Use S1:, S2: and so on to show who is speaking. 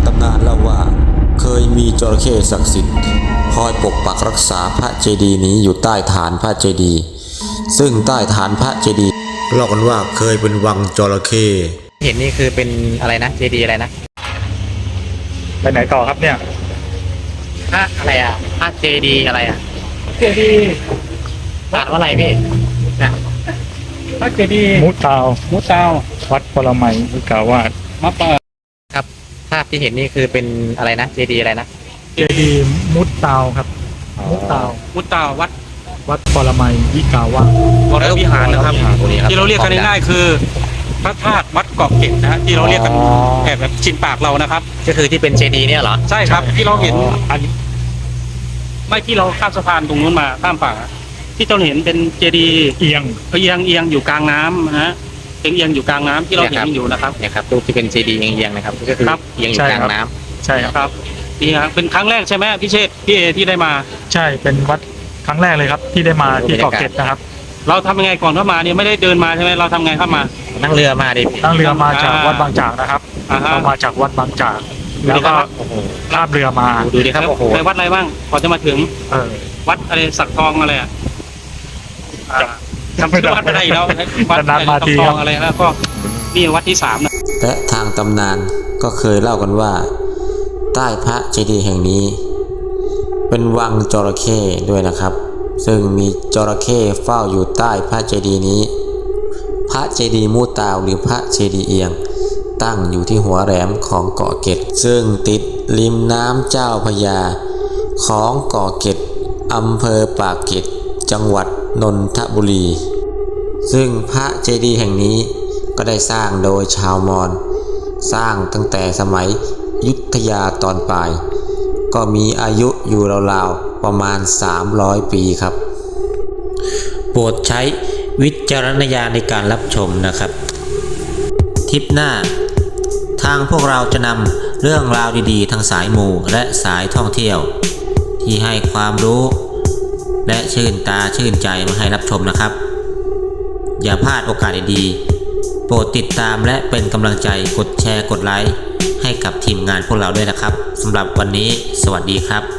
S1: ตำนานเล่าว่าเคยมีจระเข้ศักดิ์สิทธิ์คอยปกปักรักษาพระเจดีย์นี้อยู่ใต้ฐานพระเจดีย์ซึ่งใต้ฐานพระเจดีย์เล่ากันว่าเคยเป็นวังจระเข้
S2: เห็นนี่คือเป็นอะไรนะเจดีย์อะไรนะ
S3: ไปไหนต่อครับเนี่ย
S2: พระอะไรอ่ะพระเจดีย์อะไรอ่ะ
S3: เจดีย์
S2: อ่านว่าอะไรพี่นะ
S3: พระเจดีย์มุตาววัดปรมัยวิกาวาสมาเปิด
S2: ครับภาพที่เห็นนี่คือเป็นอะไรนะเจดีย์อะไรนะ
S3: เจดีย์มุตาวครับมุตาววัดปรมัยวิกาวาส
S4: วรวิหารนะครับที่เราเรียกกันง่ายๆคือพระธาตุวัดเกาะเกร็ดนะฮะที่เราเรียกกันแบบชินปากเรานะครับ
S2: ก็คือที่เป็นเจดีย์เนี่ยเหรอ
S4: ใช่ครับที่เราเห็นอันไม่ที่เราข้ามสะพานตรงนู้นมาข้ามฝั่งที่เราเห็นเป็นเจดีย์เอียงอยู่กลางน้ำนะฮะเอียงอยู่กลางน้ำที่เราเห็นอยู่นะครับ
S2: เนี่ยครับรูปที่เป็นเจดีย์เอียงนะครับก็คือเอียงอยู่กลางน้
S3: ำใช่ครับ
S4: นี่ครับเป็นครั้งแรกใช่ไหมพี่เชษพี่เอที่ได้มา
S3: ใช่เป็นวัดครั้งแรกเลยครับที่ได้มาที่เกาะเกร็ดนะครับ
S4: เราทำยังไงก่อนเข้ามาเนี่ยไม่ได้เดินมาใช่ไหมเราทำไงเข้ามา
S2: นั่งเรือมาดิ
S3: นั่งเรือมาจากวัดบางจากนะครับเรามาจากวัดบางจากแล้วก็ข้ามเรือมา
S2: ดูดิครับโอ้โห
S4: ไปวัดอะไรบ้างก่อนจะมาถึงวัดอะไรสักทองอะไรอ่ะจำชื่อวัดไม่ได้แล้ววัดสักทองอะไรแล้วก็นี่วัดที่3นะ
S1: และทางตำนานก็เคยเล่ากันว่าใต้พระเจดีย์แห่งนี้เป็นวังจระเข้ด้วยนะครับซึ่งมีจระเข้เฝ้าอยู่ใต้พระเจดีย์นี้พระเจดีย์มูตาวหรือพระเจดีย์เอียงตั้งอยู่ที่หัวแหลมของเกาะเกร็ดซึ่งติดริมน้ำเจ้าพระยาของเกาะเกร็ดอำเภอปากเกร็ดจังหวัดนนทบุรีซึ่งพระเจดีย์แห่งนี้ก็ได้สร้างโดยชาวมอญสร้างตั้งแต่สมัยอยุธยาตอนปลายก็มีอายุอยู่ราวๆประมาณ300 ปีครับโปรดใช้วิจารณญาณในการรับชมนะครับทริปหน้าทางพวกเราจะนำเรื่องราวดีๆทางสายมูและสายท่องเที่ยวที่ให้ความรู้และชื่นตาชื่นใจมาให้รับชมนะครับอย่าพลาดโอกาสดีๆโปรดติดตามและเป็นกำลังใจกดแชร์กดไลค์ให้กับทีมงานพวกเราด้วยนะครับสำหรับวันนี้สวัสดีครับ